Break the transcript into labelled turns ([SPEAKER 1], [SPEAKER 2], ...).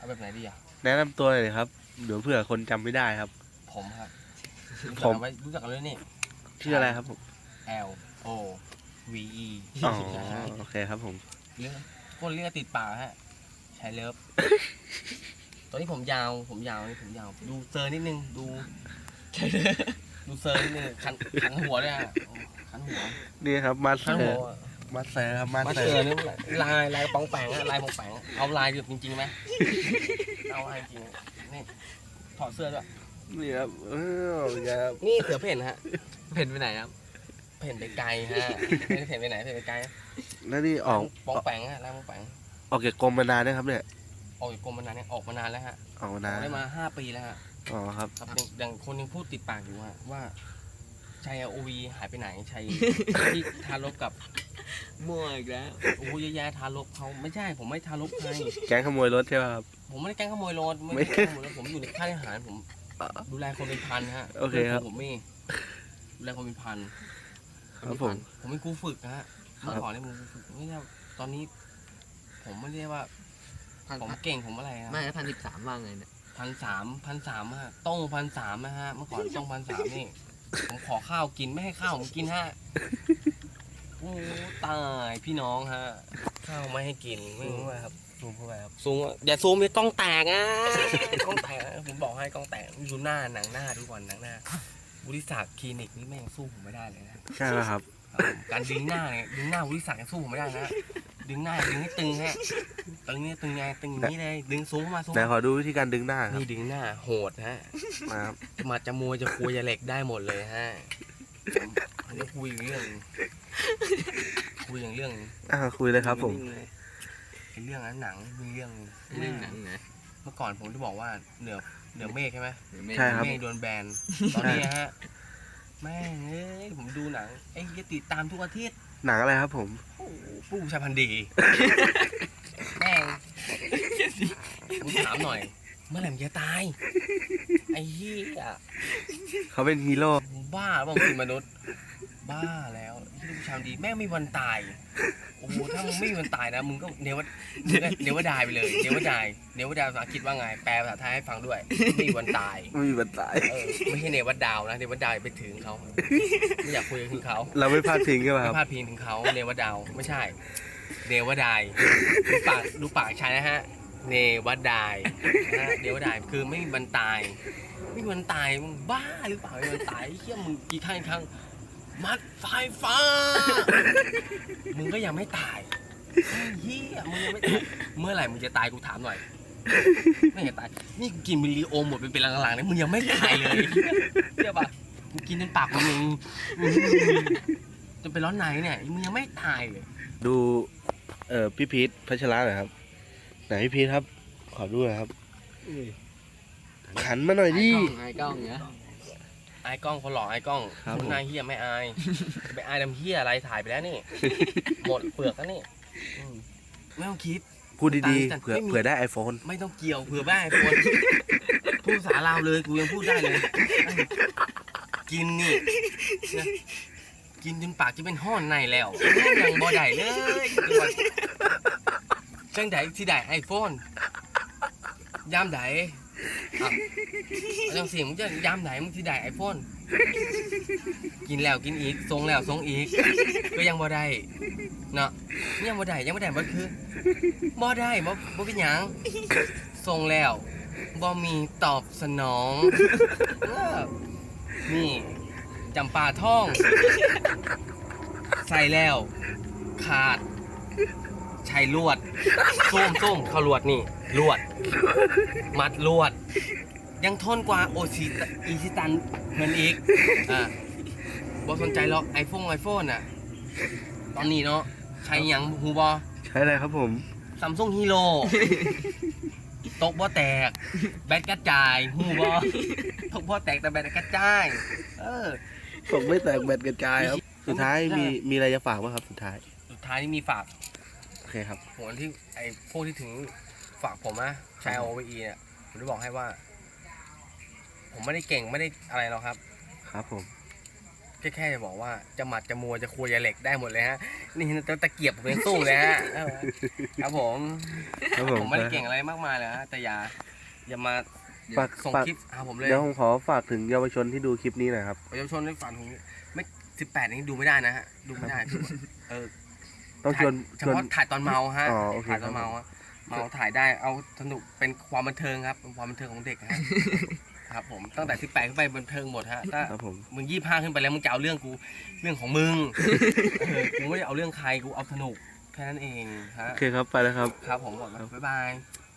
[SPEAKER 1] แบบไหนดีอ่ะ
[SPEAKER 2] แนะนำตัวเลยครับเดี๋ยวเผื่อคนจำไม่ได้ครับ
[SPEAKER 1] ผมครับ
[SPEAKER 2] ผม
[SPEAKER 1] รู้จักกันเลยนี่
[SPEAKER 2] ชื่ออะไรครับผม
[SPEAKER 1] L O V E
[SPEAKER 2] อ๋อโอเคครับผม
[SPEAKER 1] เรื่องคนเรียกติดปากฮะชายเลิฟตอนนี้ผมยาวนี่ผมยาวดูเซอร์นิดนึงดูเซอร์นิดนึงขันหัวเลยฮะขันหัว
[SPEAKER 2] นี่ครับมาส
[SPEAKER 1] ขัน
[SPEAKER 2] เตอ
[SPEAKER 1] หัว
[SPEAKER 2] ร์มาสเตอร์ครับมาส
[SPEAKER 1] มา
[SPEAKER 2] เตอ
[SPEAKER 1] เจอ
[SPEAKER 2] ร์
[SPEAKER 1] นี่ลายปองแปงอะลายปองแปงเอาลายแบบจริงๆไหมเอาลายจริงนี่ถอดเสื้อด้วย
[SPEAKER 2] นี่ครับครับ
[SPEAKER 1] นี่เสือเพ่นฮะ
[SPEAKER 3] เพ่นไปไหนครับ
[SPEAKER 1] เพ่นไปไกลฮะไม่ได้เพ่นไปไหนเพ่นไปไกล
[SPEAKER 2] แล้วนี่ออก
[SPEAKER 1] ปองแปงฮะลายปองแปง
[SPEAKER 2] ออกจากกรมมานานนะครับเนี่ย
[SPEAKER 1] ออกจากกรมมานานเนี่ยออกมานานแล้วฮะ
[SPEAKER 2] ออกมา
[SPEAKER 1] อ
[SPEAKER 2] นา
[SPEAKER 1] อน กได้มา5 ปีแล้วฮะ
[SPEAKER 2] อ๋อครับ
[SPEAKER 1] ครับอย่างคนยังพูดติดปากอยู่ว่าชัยโอวีหายไปไหนชัยที่ทารกกับ
[SPEAKER 3] มั่วอีกแล้ว
[SPEAKER 1] โอ้ยแย่ทารกเขาไม่ใช่ผมไม่ทารกใคร
[SPEAKER 2] แก๊งขโมยรถใช่ไหมครับ
[SPEAKER 1] ผมไม่ได้แกล้งขโมยรถ
[SPEAKER 2] ไม่
[SPEAKER 1] ไม่ได้แกล้งขโมยรถผมอยู่ในค่ายทหารผมดูแลคนเป็นพันฮะ
[SPEAKER 2] โอเคครับ
[SPEAKER 1] ผมไม่ดูแลคนเป็นพัน
[SPEAKER 2] ครับผม
[SPEAKER 1] ผมเป็นครูฝึกฮะเมื่อก่อนเนี่ยผมครูฝึกไม่ใช่ตอนนี้ ผมไม่ได้ว่าผมเก่งผมอะไรนะ
[SPEAKER 3] ไม่1,013ว่าไงเนี่ย
[SPEAKER 1] 1,300ฮะต้อง1,300นะฮะเมื่อก่อนต้อง1,300นี่ผมขอข้าวกินไม่ให้ข้าวผมกินฮะโอ้ตายพี่น้องฮะข้าวไม่ให้กินไม่รู้ว่าครับ
[SPEAKER 2] ซูมเข้าไปครับ
[SPEAKER 1] ซูมอย่าซูมอย่ากล้องแตกอ่ะกล้องแตกผมบอกให้กล้องแตกดูหน้าหนังหน้าทุกวันหนังหน้าวุฒิศักดิ์คลินิกนี่แม่งสู้ผมไม่ได้เลยนะ
[SPEAKER 2] ใช่แล้วครับ
[SPEAKER 1] การดึงหน้าเนี่ยดึงหน้าวุฒิศักดิ์ยังสู้ผมไม่ได้นะดึงหน้าดึงให้ตึงฮะตึงเนี่ยตึงไงตึงอย่างนี้เลยดึงซูมเข้ามาซูม
[SPEAKER 2] แต่ขอดูวิธีการดึงหน้าครับ
[SPEAKER 1] นี่ดึงหน้าโหดฮะ
[SPEAKER 2] มาครับ
[SPEAKER 1] จะมวยจะคุยจะเหล็กได้หมดเลยฮะอันนี้คุยเรื่องคุยอย่างเรื่อง
[SPEAKER 2] คุยเลยครับผม
[SPEAKER 1] เรื่องนั้นหนังมีเรื่อง
[SPEAKER 3] เรื่องหนังนะ
[SPEAKER 1] เมื่อก่อนผมจะบอกว่าเหนือเมฆใช่ไหม
[SPEAKER 3] หรือไม่
[SPEAKER 2] ใช่ครับ
[SPEAKER 1] เมฆโดนแบนตอนนี้ฮะแม่งเอ้ยผมดูหนังไอ้ยติดตามทุกอาทิตย์
[SPEAKER 2] หนังอะไรครับผม
[SPEAKER 1] โอ้โหผู้ชายพันธุ์ดีแม่งผมถามหน่อย เมื่อไหร่มันจะตายไอ้เหี้ย
[SPEAKER 2] เขาเป็นฮีโร่
[SPEAKER 1] บ้าบ้างคือมนุษย์ บ้าแล้วที่ลูกชามดีแม่งไม่มีวันตายโอ้โหถ้ามึงไม่มีวันตายนะมึงก็เนวดายไปเลยเนวดายภาษาอังกฤษว่าไงแปลภาษาไทยให้ฟังด้วยไม่มีวันตาย
[SPEAKER 2] ไม่มีวันตาย
[SPEAKER 1] ไม่ใช่เนวดาวนะเนวดาวไปถึงเขาไม่อยากคุยถึงเขา
[SPEAKER 2] เราไม่พลาดพิงใช่ไหมค
[SPEAKER 1] ไม่
[SPEAKER 2] รับ
[SPEAKER 1] พลาดพิงถึงเขาเนวดาวไม่ใช่เนวดายดูปากชายนะฮะเนวดายนะฮะเนวดายคือไม่มีวันตายไม่มีวันตายมึงบ้าหรือเปล่าไม่มีวันตายเฮี้ยมึงกี่ครั้งมัดไฟฟ้า มึงก็ยังไม่ตายไอ้เฮียมึงยังไม่ตาย เมื่อไหร่มึงจะตายกูถามหน่อย ไม่จะตาย นี่กูกินมิลลิโอมหมดเป็นหลังๆเนี่ยมึงยังไม่ตายเลยเชื่อปะกูกินจนปากมึงจนเป็นร้อนในเนี่ยมึงยังไม่ตายเลย
[SPEAKER 2] ดูพี่พีทพัชระหน่อยครับ ไหนพี่พีทครับ ขอดูหน่อยครับขันมาหน่อยดิ
[SPEAKER 3] ไอ้กล้องเนี่ย
[SPEAKER 1] ไอ้กล้องคนหล่อไอ้กล้อง
[SPEAKER 2] ครับผม
[SPEAKER 1] นายเฮียไม่อายจะไปอายดำเฮียอะไรถ่ายไปแล้วนี่ หมดเปลือกแล้วนี่ไม่ต้องคิด
[SPEAKER 2] พูดดี
[SPEAKER 1] แต่
[SPEAKER 2] ๆเผื่อ
[SPEAKER 1] ไม่มี
[SPEAKER 2] เผื่อได้ไอโฟน
[SPEAKER 1] ไม่ต้องเกี่ยวเผื่อบ้าไอ้คนพูดภาษาลาวเลยกูยังพูดได้เลยกินนี่นะกินจนปากจะเป็นห้อนในแล้วยังบ่ได้เลยจังไดที่ได้ไอโฟนยามไดอ่ะจังเสียงมึงจะยามไดมึงที่ได้ไอโฟนกินแล้วกินอีกทรงแล้วทรงอีกก็ยังบ่ได้เนาะยังบ่ได้บ่คือบ่ได้บ่เป็นหยังทรงแล้วบ่มีตอบสนองนี่จำปาท่องใส่แล้วขาดใช้ลวดส้มเข้าลวดนี่ลวดมัดลวดยังทนกว่าอีซิตันเงินอีกบ่สนใจหรอกไอโฟนน่ะตอนนี้เนาะใช้หยังฮูบอ
[SPEAKER 2] ใช้อะไรครับผม
[SPEAKER 1] ซัมซุงฮีโร่ตกบ่แตกแบตกระจายฮูบอตกบ่แตกแต่แบตกระจาย
[SPEAKER 2] ผมไม่แตกแบตกระจายครับ สุดท้ายมีอะไรจะฝากไหมครับ สุดท้าย
[SPEAKER 1] นี่มีฝาก
[SPEAKER 2] โอเคครับ
[SPEAKER 1] ผมที่ไอ้พวกที่ถึงฝากผมนะชายOVEเนี่ยผมจะบอกให้ว่า ผมไม่ได้เก่งไม่ได้อะไรหรอกครับ
[SPEAKER 2] ครับผม
[SPEAKER 1] แค่จะบอกว่าจะหมัดจะมัวจะคุยจะเหล็กได้หมดเลยฮะนี่ตะเกียบผมยังสู้เลยฮะครับผม
[SPEAKER 2] ครับ
[SPEAKER 1] ผมไม่ได้เก่งอะไรมากมายเลยฮะแต่อย่ามา
[SPEAKER 2] ฝาก
[SPEAKER 1] ส่ง
[SPEAKER 2] ฝาก
[SPEAKER 1] คลิปหาผมเลย
[SPEAKER 2] เดี๋ยวผมขอฝากถึงเยาวชนที่ดูคลิปนี้หน่อยครับ
[SPEAKER 1] เยาวชนในฝันผมไม่18นี้ดูไม่ได้นะฮะดูไม่ได้เออ
[SPEAKER 2] ต้องชวน
[SPEAKER 1] เฉพาะถ่ายตอนเมาฮะ
[SPEAKER 2] อ๋อโอเค
[SPEAKER 1] ถ่ายตอนเมาฮะเมาถ่ายได้เอาสนุกเป็นความบันเทิงครับเป็นความบันเทิงของเด็กฮะ ครับผมตั้งแต่18ขึ้นไปบันเทิงหมดฮะถ้า
[SPEAKER 2] ครับผม
[SPEAKER 1] มึง25ขึ้นไปแล้วมึงจะเอาเรื่องกูเรื่องของมึงกูไม่ได้เอาเรื่องใครกูเอาสนุกแค่นั้นเองฮะ
[SPEAKER 2] โอเคครับไปแล้วครับ
[SPEAKER 1] ครับผมก่อนบ๊ายบาย